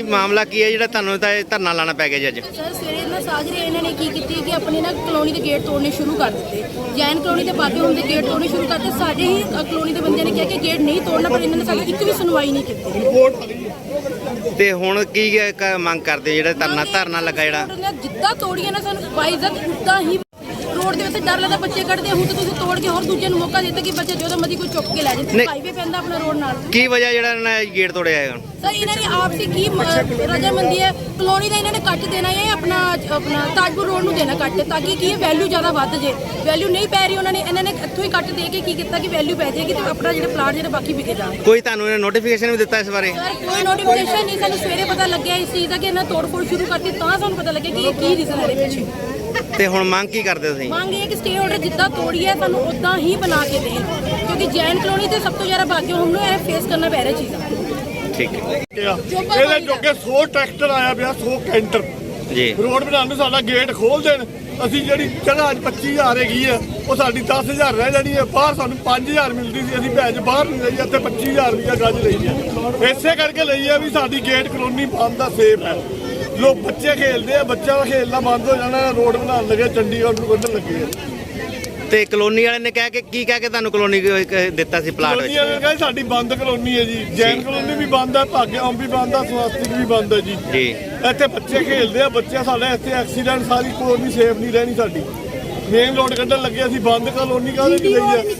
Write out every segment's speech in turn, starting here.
ਮਾਮਲਾ ਕੀ ਹੈ ਜਿਹੜਾ ਤੁਹਾਨੂੰ ਤਾਂ ਇਹ ਧਰਨਾ ਲਾਣਾ ਪੈ ਗਿਆ ਜੀ ਅੱਜ? ਸਰ ਸਵੇਰੇ ਨਾ ਸਾਜਰੇ ਇਹਨਾਂ ਨੇ ਕੀ ਕੀਤੀ ਕਿ ਆਪਣੇ ਨਾ ਕਲੋਨੀ ਦੇ ਗੇਟ ਤੋੜਨੇ ਸ਼ੁਰੂ ਕਰ ਦਿੱਤੇ। ਜੈਨ ਕਲੋਨੀ ਦੇ ਬਾਕੀ ਹੁੰਦੇ ਗੇਟ ਤੋੜਨੇ ਸ਼ੁਰੂ ਕਰਤੇ। ਸਾਡੇ ਹੀ ਕਲੋਨੀ ਦੇ ਬੰਦਿਆਂ ਨੇ ਕਿਹਾ ਕਿ ਗੇਟ ਨਹੀਂ ਤੋੜਨਾ, ਪਰ ਇਹਨਾਂ ਨੇ ਸਾਡੀ ਇੱਕ ਵੀ ਸੁਣਵਾਈ ਨਹੀਂ ਕੀਤੀ। ਤੇ ਹੁਣ ਕੀ ਮੰਗ ਕਰਦੇ ਜਿਹੜਾ ਧਰਨਾ ਲੱਗਾ ਜਿਹੜਾ? ਜਿੱਦਾਂ ਤੋੜੀਏ ਨਾ ਸਾਨੂੰ ਬਾਈਜ਼ਤ ਉੱਦਾਂ ਹੀ ਰੋਡ ਦੇ ਵਿੱਚ ਡਰ ਲੱਗਦਾ, ਬੱਚੇ ਕੱਢਦੇ। ਹੁਣ ਤਾਂ ਤੁਸੀਂ ਤੋੜ ਕੇ ਹੋਰ ਦੂਜੇ ਨੂੰ ਮੌਕਾ ਦਿੱਤਾ ਕਿ ਬੱਚੇ ਜਦੋਂ ਮਰਜ਼ੀ ਕੋਈ ਚੁੱਕ ਕੇ ਲੈ ਜਾਏ। ਹਾਈਵੇ ਪੈਂਦਾ ਆਪਣਾ ਰੋਡ ਨਾਲ। ਕੀ ਵਜ੍ਹਾ ਜਿਹੜਾ ਇਹਨਾਂ ਨੇ ਗੇਟ ਤੋੜਿਆ ਹੈ? ਸਰ ਇਹਨਾਂ ਨੇ ਆਪਸੀ ਕੀ ਰਜਾਮੰਦੀ ਹੈ, ਕਲੋਨੀ ਦਾ ਇਹਨਾਂ ਨੇ ਕੱਟ ਦੇਣਾ ਹੈ ਆਪਣਾ ਤਾਜਪੁਰ ਰੋਡ ਨੂੰ ਦੇਣਾ ਕੱਟ, ਤਾਂ ਕਿ ਕੀ ਵੈਲਿਊ ਜ਼ਿਆਦਾ ਵੱਧ ਜੇ। ਵੈਲਿਊ ਨਹੀਂ ਪੈ ਰਹੀ, ਇਹਨਾਂ ਨੇ ਇੱਥੋਂ ਹੀ ਕੱਟ ਦੇ ਕੇ ਕੀ ਕੀਤਾ ਕਿ ਵੈਲਿਊ ਪੈ ਜਾਏਗੀ ਤੇ ਆਪਣਾ ਜਿਹੜਾ ਪਲਾਟ ਜਿਹੜਾ ਬਾਕੀ ਵਿਕੇ ਜਾਣ। ਕੋਈ ਤੁਹਾਨੂੰ ਨੋਟੀਫਿਕੇਸ਼ਨ ਵੀ ਦਿੱਤਾ ਇਸ ਬਾਰੇ? ਸਰ ਕੋਈ ਨੋਟੀਫਿਕੇਸ਼ਨ ਨਹੀਂ, ਸਾਨੂੰ ਸਵੇਰੇ ਪਤਾ ਲੱਗਿਆ ਇਸ ਚੀਜ਼ ਦਾ ਕਿ ਇਹਨਾਂ ਤੋੜ-ਫੋੜ ਸ਼ੁਰੂ ਕਰਤੀ, ਤਾਂ ਸਾਨੂੰ ਪਤਾ ਲੱਗਿਆ ਕਿ ਇਹ ਕੀ ਰੀਜ਼ਨ ਹੈ ਇਹਦੇ ਪਿੱਛੇ। ਤੇ ਹੁਣ ਮੰਗ ਕੀ ਕਰਦੇ ਤੁਸੀਂ? ਮੰਗ ਇਹ ਕਿ ਸਟੇ ਆਰਡਰ ਜਿੱਦਾਂ ਤੋੜੀ ਹੈ ਸਾਨੂੰ ਉਦਾਂ ਹੀ ਬਣਾ ਕੇ ਦੇਣ, ਕਿਉਂਕਿ ਜੈਨ ਕਲੋਨੀ ਤੇ ਸਭ ਤੋਂ ਜ਼ਿਆਦਾ ਬਾਕੀ ਹੁਣ ਨੂੰ ਇਹ ਫੇਸ ਕਰਨਾ ਪੈ ਰਿਹਾ ਚੀਜ਼ਾਂ। ਠੀਕ ਹੈ। ਇਹਦੇ ਜੋਗੇ 100 ਟਰੈਕਟਰ ਆਇਆ ਪਿਆ, 100 ਕੈਂਟਰ ਜੀ। ਰੋਡ ਬਣਾਉਣ ਨੂੰ ਸਾਡਾ ਗੇਟ ਖੋਲ ਦੇਣ। ਅਸੀਂ ਜਿਹੜੀ ਜਗ੍ਹਾ 25,000 ਹੈਗੀ ਹੈ ਉਹ ਸਾਡੀ 10,000 ਰਹਿ ਜਾਣੀ ਹੈ। ਬਾਹਰ ਸਾਨੂੰ 5,000 ਮਿਲਦੀ ਸੀ, ਅਸੀਂ ਭੈਜ ਬਾਹਰ ਨਹੀਂ ਲਈ, ਇੱਥੇ 25,000 ਰੁਪਇਆ ਗੱਜ ਲਈ ਹੈ। ਇਸੇ ਕਰਕੇ ਲਈ ਹੈ ਵੀ ਸਾਡੀ ਗੇਟ ਕਲੋਨੀ ਬੰਦ ਦਾ ਸੇਫ ਹੈ। ਲੋਕ ਬੱਚੇ ਖੇਲਦੇ ਆ, ਬੱਚਿਆਂ ਦਾ ਖੇਲਣਾ ਬੰਦ ਹੋ ਜਾਣਾ। ਰੋਡ ਬਣਾਉਣ ਲੱਗੇ, ਚੰਡੀਗੜ੍ਹ ਨੂੰ ਕੱਢਣ ਲੱਗੇ ਆ। ਤੇ ਕਲੋਨੀ ਵਾਲੇ ਨੇ ਕਹਿ ਕੇ ਤੁਹਾਨੂੰ ਕਲੋਨੀ ਦਿੱਤਾ ਸੀ ਪਲਾਟ ਵਿੱਚ? ਕਲੋਨੀ ਵਾਲੇ ਕਹਿੰਦੇ ਸਾਡੀ ਬੰਦ ਕਲੋਨੀ ਹੈ ਜੀ। ਜੈਨ ਕਲੋਨੀ ਵੀ ਬੰਦ ਹੈ, ਭਾਗਿਆਮ ਵੀ ਬੰਦ ਹੈ, ਸਵਾਸਤਿਕ ਵੀ ਬੰਦ ਹੈ ਜੀ। ਇੱਥੇ ਬੱਚੇ ਖੇਲਦੇ ਆ, ਬੱਚੇ ਸਾਡੇ ਇੱਥੇ ਐਕਸੀਡੈਂਟ, ਸਾਰੀ ਕਲੋਨੀ ਸੇਫ ਨਹੀਂ ਰਹਿਣੀ ਸਾਡੀ। ਮੇਨ ਰੋਡ ਕੱਢਣ ਲੱਗੇ, ਅਸੀਂ ਬੰਦ ਕਲੋਨੀ ਕਾਹਦੇ ਚ ਲਈ ਹੈ?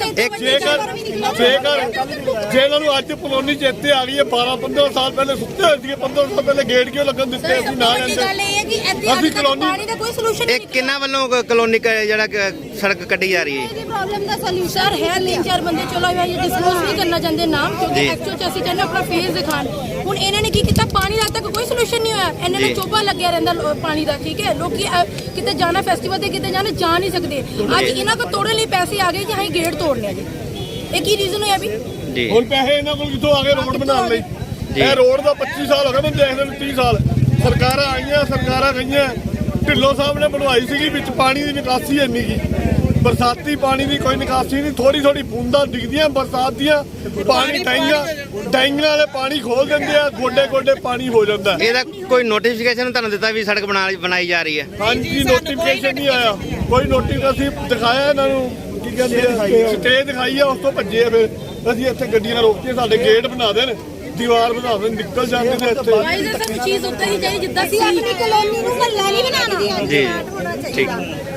ਜੇ ਇਹਨਾਂ ਨੂੰ ਅੱਜ ਕਲੋਨੀ ਚੇਤੇ ਆ ਗਈ ਹੈ, 12-15 ਸਾਲ ਪਹਿਲੇ ਸੁੱਤੇ ਹੋਏ ਸੀਗੇ, 15 ਸਾਲ ਪਹਿਲੇ ਗੇਟ ਕਿਉਂ ਲੱਗਣ ਦਿੱਤੇ? ਅਸੀਂ ਨਾ ਜਾਂਦੇ। ਅਸੀਂ ਕਲੋਨੀ ਇਹ ਕਿੰਨਾ ਵੱਲੋਂ ਕਲੋਨੀ ਜਿਹੜਾ ਸੜਕ ਕੱਢੀ ਜਾ ਰਹੀ ਹੈ? ਪ੍ਰੋਬਲਮ ਦਾ ਸੋਲੂਸ਼ਨ ਹੈ। 3-4 ਬੰਦੇ ਚਲੋ ਇਹ ਡਿਸਕਲੋਜ਼ ਨਹੀਂ ਕਰਨਾ ਚਾਹੁੰਦੇ ਨਾਮ, ਕਿਉਂਕਿ ਐਕਚੁਅਲ ਚ ਅਸੀਂ ਚਾਹੁੰਦੇ ਆਪਣਾ ਫੇਸ ਦਿਖਾਣ। ਹੁਣ ਇਹਨਾਂ ਨੇ ਕੀ ਕੀਤਾ, ਪਾਣੀ ਦਾ ਤੱਕ ਕੋਈ ਸੋਲੂਸ਼ਨ ਨਹੀਂ ਹੋਇਆ। ਇਹਨਾਂ ਨੇ ਚੋਬਾ ਲੱਗਿਆ ਰਹਿੰਦਾ ਪਾਣੀ ਦਾ। ਠੀਕ ਹੈ, ਲੋਕੀ ਕਿਤੇ ਜਾਣਾ ਫੈਸਟੀਵਲ ਤੇ ਕਿਤੇ ਜਾਣਾ ਜਾ ਨਹੀਂ ਸਕਦੇ। ਅੱਜ ਇਹਨਾਂ ਕੋਲ ਤੋੜਨ ਲਈ ਪੈਸੇ ਆ ਗਏ ਕਿ ਹਾਂ ਗੇਟ ਤੋੜਨੇ ਆ ਜੀ। ਇਹ ਕੀ ਰੀਜ਼ਨ ਹੋਇਆ ਵੀ? ਹੁਣ ਪੈਸੇ ਇਹਨਾਂ ਕੋਲ ਕਿੱਥੋਂ ਆ ਗਏ ਰੋਡ ਬਣਾਉਣ ਲਈ? ਇਹ ਰੋਡ ਦਾ 25 ਸਾਲ ਹੋ ਗਏ ਮੈਨੂੰ ਦੇਖਦੇ ਨੂੰ, 30 ਸਾਲ ਸਰਕਾਰਾਂ ਆਈਆਂ, ਸਰਕਾਰਾਂ ਗਈਆਂ। ਢਿੱਲੋਂ ਸਾਹਿਬ ਨੇ ਬਣਵਾਈ ਸੀਗੀ, ਵਿੱਚ ਪਾਣੀ ਦੀ ਨਿਕਾਸੀ ਇੰਨੀ ਕੀ, ਬਰਸਾਤੀ ਪਾਣੀ ਦੀ ਕੋਈ ਨਿਕਾਸੀ ਨਹੀਂ। ਥੋੜੀ ਬੂੰਦਾਂ ਡਿੱਗਦੀਆਂ ਬਰਸਾਤ ਦੀਆਂ, ਪਾਣੀ ਡਾਈਆਂ ਵਾਲੇ ਪਾਣੀ ਖੋਲ ਦਿੰਦੇ ਆ, ਗੋਡੇ ਪਾਣੀ ਹੋ ਜਾਂਦਾ। ਇਹਦਾ ਕੋਈ ਨੋਟੀਫਿਕੇਸ਼ਨ ਤੁਹਾਨੂੰ ਦਿੱਤਾ ਵੀ ਸੜਕ ਬਣਾਈ ਜਾ ਰਹੀ ਹੈ? ਹਾਂਜੀ, ਨੋਟੀਫਿਕੇਸ਼ਨ ਨਹੀਂ ਆਇਆ ਕੋਈ। ਨੋਟੀਫਿਕੇਸ਼ਨ ਦਿਖਾਇਆ ਇਹਨਾਂ ਨੂੰ, ਕੀ ਕਹਿੰਦੇ ਆ, ਸਟੇ ਦਿਖਾਈ ਆ, ਉਸ ਤੋਂ ਭੱਜੇ। ਫਿਰ ਅਸੀਂ ਇੱਥੇ ਗੱਡੀਆਂ ਰੋਕੀਆਂ, ਸਾਡੇ ਗੇਟ ਬਣਾ ਦੇਣ, ਦੀਵਾਰ ਬਣਾ ਦੇਣ, ਨਿਕਲ ਜਾਂਦੇ ਨੇ ਇੱਥੇ। ਚੀਜ਼ ਉੱਤੇ ਹੀ ਚਾਹੀਦੀ ਜਿੱਦਾਂ ਸੀ ਆਪਣੀ ਕਲੋਨੀ ਨੂੰ ਮਹੱਲਾ ਨਹੀਂ ਬਣਾਉਣਾ ਜੀ। ਠੀਕ।